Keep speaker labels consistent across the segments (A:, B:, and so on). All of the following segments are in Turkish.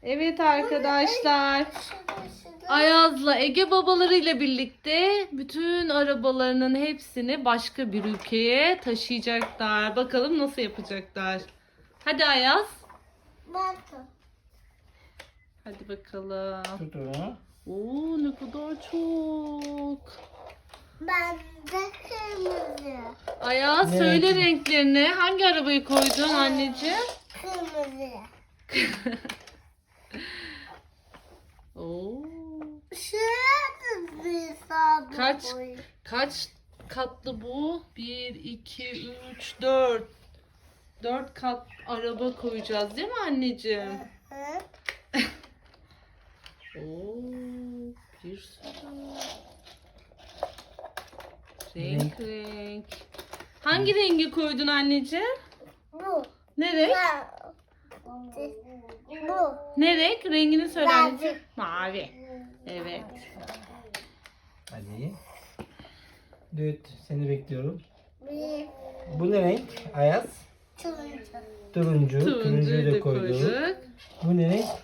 A: Evet arkadaşlar. Ayaz'la Ege babalarıyla birlikte bütün arabalarının hepsini başka bir ülkeye taşıyacaklar. Bakalım nasıl yapacaklar. Hadi Ayaz.
B: Bakın.
A: Hadi bakalım.
C: Tut onu.
A: Oo, ne kadar çok.
B: Ben de kırmızı.
A: Ayaz
C: Ne
A: söyle
C: renk?
A: renklerini. Hangi arabayı koydun anneciğim?
B: Kırmızı.
A: Oo.
B: Şurada bir sabun
A: Kaç
B: koy.
A: kaç katlı bu? 1 2 3 4. 4 kat araba koyacağız değil mi anneciğim?
B: Hı?
A: Oo, bir sürü. Renk renk. Hangi rengi koydun anneciğim?
B: Bu.
A: Ne renk?
B: Bu.
A: Ne renk? Rengini söyle
B: Mavi.
A: anneciğim. Mavi. Evet.
C: Hadi. Düt. Seni bekliyorum.
B: Bir.
C: Bu ne renk? Ayaz.
B: Turuncu.
C: Turuncu. Turuncuyu
A: Turuncuyu
C: da
A: da
C: koyduk.
A: koyduk.
C: Bu ne renk?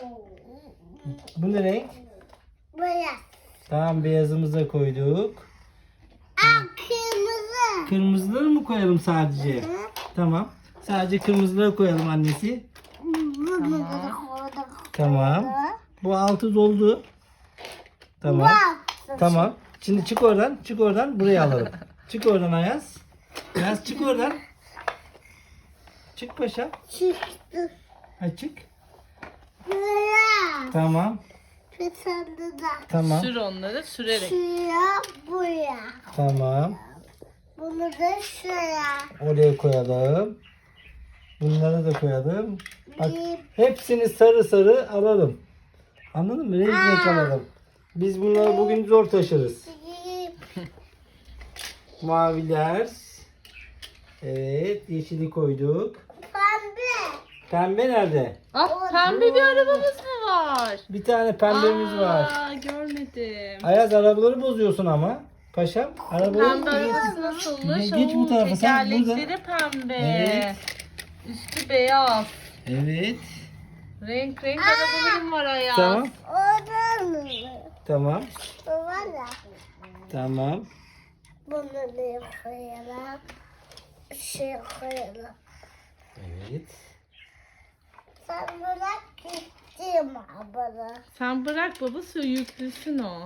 C: Bu ne renk?
B: Beyaz.
C: Tamam, beyazımızı da koyduk.
B: Aa, kırmızı.
C: Kırmızıları mı koyalım sadece?
B: Hı?
C: Tamam. Sadece kırmızıları koyalım annesi.
B: Bunu da koyduk.
C: Tamam. Bu altı doldu. Tamam.
B: Bak.
C: Tamam. Şimdi çık oradan. Çık oradan. Buraya alalım. Çık oradan Ayaz. Ayaz çık oradan. Çık paşa.
B: Çıktı.
C: Ha, çık.
B: Buraya.
C: Tamam.
B: Bir tane daha.
C: Tamam.
A: Sür onları sürerek.
B: Şuraya, buraya.
C: Tamam.
B: Bunu da şuraya.
C: Oraya koyalım. Bunları da koyalım. Bak,
B: Bir.
C: hepsini sarı sarı alalım. Anladın mı? Renk renk alalım. Biz bunları bugün zor taşırız.
B: Bir.
C: Maviler. Evet. Yeşili koyduk.
B: Pembe.
C: Pembe nerede?
A: Ah, pembe bir arabamız mı var?
C: Bir tane pembemiz var.
A: Aa, görmedim.
C: Ayaz, arabaları bozuyorsun ama. Paşam. Arabaları
A: Pembe arabası nasılmış?
C: Geç bu tarafa, sen burada.
A: Tekerlekleri pembe.
C: Evet.
A: Üstü beyaz.
C: Evet.
A: Renk renk arabalarım var Ayaz.
C: Tamam.
B: Oradan mı?
C: Tamam.
B: Bu var ya.
C: Tamam.
B: Bunu da koyalım. Şey koyalım.
C: Evet.
B: Sen bırak gittim abla.
A: Sen bırak babası yüklüsün o.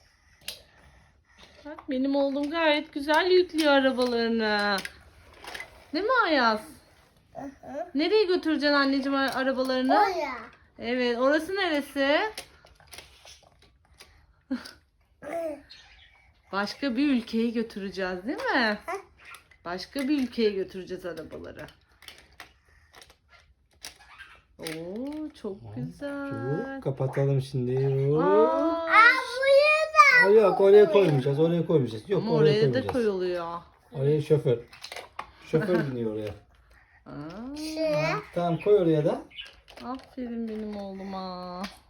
A: Bak benim oğlum gayet güzel yüklüyor arabalarını. Değil mi Ayaz? Nereye götüreceksin anneciğim arabalarını?
B: Oraya.
A: Evet, orası neresi? Başka bir ülkeye götüreceğiz değil mi? Başka bir ülkeye götüreceğiz arabaları. Oo, çok güzel.
C: Çabuk kapatalım şimdi.
A: Aa,
C: Aa, yok, oraya koymayacağız. Oraya koymayacağız. Yok,
A: ama
C: oraya
A: oraya da
C: koymayacağız.
A: koyuluyor.
C: Oraya şoför. Şoför biniyor oraya.
A: Aa,
B: Şuraya.
C: Tamam, koy oraya da.
A: aferin benim oğluma.